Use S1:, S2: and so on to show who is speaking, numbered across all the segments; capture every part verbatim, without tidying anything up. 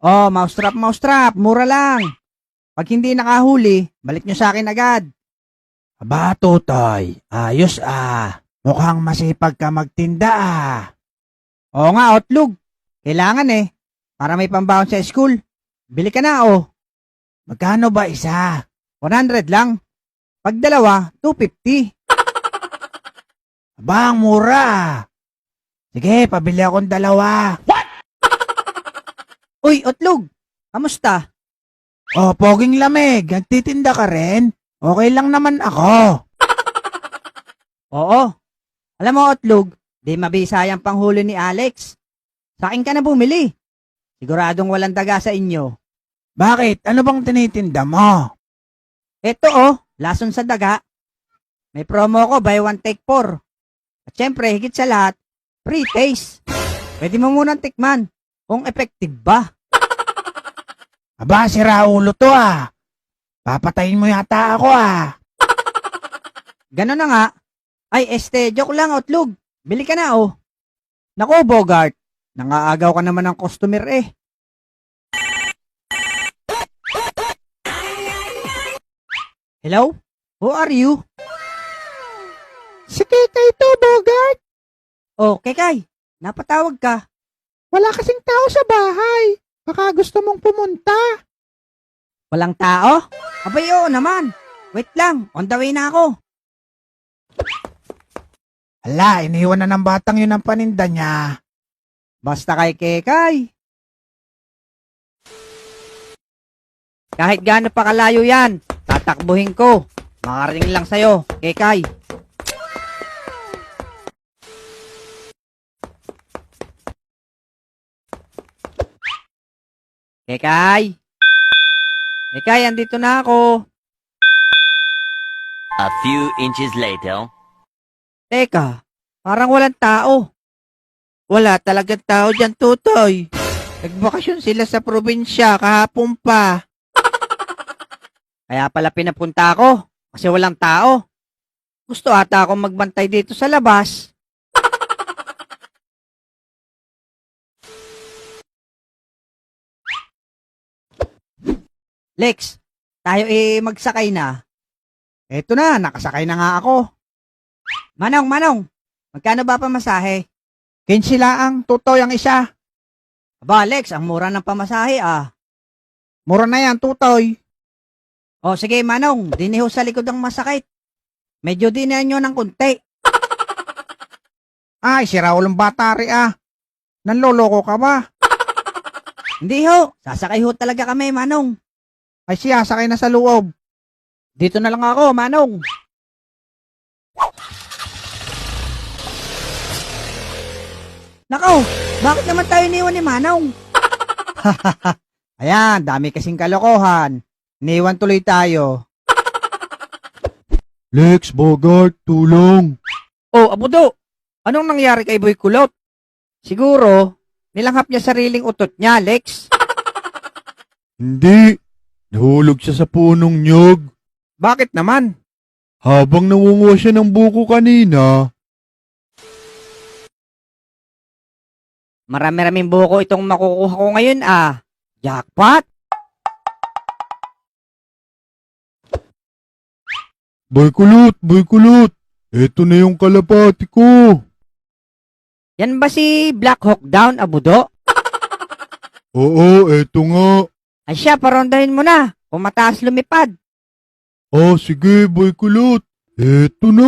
S1: Oh, mousetrap, mousetrap, mura lang. Pag hindi nakahuli, balik nyo sa akin agad.
S2: Aba, Totoy, ayos ah. Mukhang masipag ka magtinda ah.
S1: Oo nga, Otlog. Kailangan eh. Para may pambawon sa school. Bili ka na, oh.
S2: Magkano ba isa?
S1: one hundred lang. Pag dalawa, two fifty.
S2: Aba, ang mura ah. Sige, pabili akong dalawa.
S1: Uy, Otlog. Kamusta?
S2: Oh, poging lamig, nagtitinda ka rin? Okay lang naman ako.
S1: Oo. Alam mo, Otlog, di mabisayang panghuli ni Alex. Sa akin ka na bumili. Siguradong walang daga sa inyo.
S2: Bakit? Ano bang tinitinda mo?
S1: Eto oh, lason sa daga. May promo ko, buy one take four. At syempre, higit sa lahat, free taste. Pwede mo munang tikman kung effective ba.
S2: Aba, si Raulo to ah. Papatayin mo yata ako ah.
S1: Ganon na nga. Ay, este, joke lang, Otlog. Bili ka na, oh. Naku, Bogart. Nangaagaw ka naman ng customer eh. Hello? Who are you?
S2: Si Kekay to, Bogart.
S1: Oh, Kekay. Napatawag ka.
S2: Wala kasing tao sa bahay. Baka gusto mong pumunta.
S1: Walang tao? Abay, oo naman. Wait lang, on the way na ako.
S2: Hala, iniwan na ng batang yun ang paninda niya.
S1: Basta kay Kekay. Kahit gaano pa kalayo yan, tatakbuhin ko. Makarating lang sa'yo, Kekay. Kekay. Kekay, andito na ako.
S3: A few inches later.
S1: Teka, parang walang tao.
S2: Wala talagang tao dyan, Tutoy. Nagbakasyon sila sa probinsya kahapon pa.
S1: Kaya pala pinapunta ako, kasi walang tao. Gusto ata akong magbantay dito sa labas. Lex, tayo eh magsakay na. Eto na, nakasakay na nga ako. Manong, Manong, magkano ba pamasahe?
S2: Kinsi laang, Tutoy ang isa.
S1: Aba, Lex, ang mura ng pamasahe ah.
S2: Mura na yan, Tutoy.
S1: O sige, Manong, diniho sa likod ang masakit. Medyo dinahan nyo ng kunti.
S2: Ay, si Raulong bata rin ah. Nanloloko ka ba?
S1: Hindi ho, sasakay ho talaga kami, Manong.
S2: Ay siya, sakay na sa loob.
S1: Dito na lang ako, Manong. Nakaw, bakit naman tayo iniwan ni Manong? Ayan, dami kasing kalokohan. Iniwan tuloy tayo.
S2: Lex, Bogart, tulong.
S1: Oh, Abudo, anong nangyari kay Boy Kulot? Siguro, nilanghap niya sariling utot niya, Lex.
S4: Hindi. Nahulog siya sa punong nyog.
S1: Bakit naman?
S4: Habang nangunguha siya ng buko kanina,
S1: Marami-raming buko itong makukuha ko ngayon ah. Jackpot?
S4: Boy kulot, boy kulot. Eto na yung kalapati ko.
S1: Yan ba si Black Hawk Down, Abudo?
S4: Oo, eto nga.
S1: Ay siya, parondahin mo na. Kung mataas lumipad.
S4: Ah, sige, boy kulot. Eto na.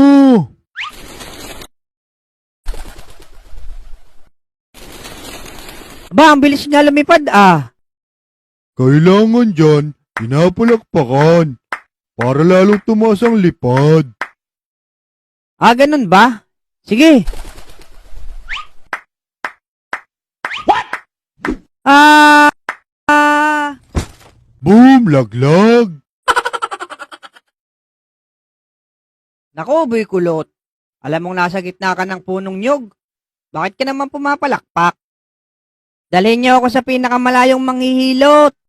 S1: Aba, ang bilis nga lumipad ah.
S4: Kailangan dyan, pinapalakpakan. Para lalong tumaas ang lipad.
S1: Ah, ganun ba? Sige. What? Ah, ah,
S4: Boom, laglag.
S1: Naku, Boy Kulot. Alam mong nasa gitna ka ng punong nyog. Bakit ka naman pumapalakpak? Dalhin niyo ako sa pinakamalayong manghihilot.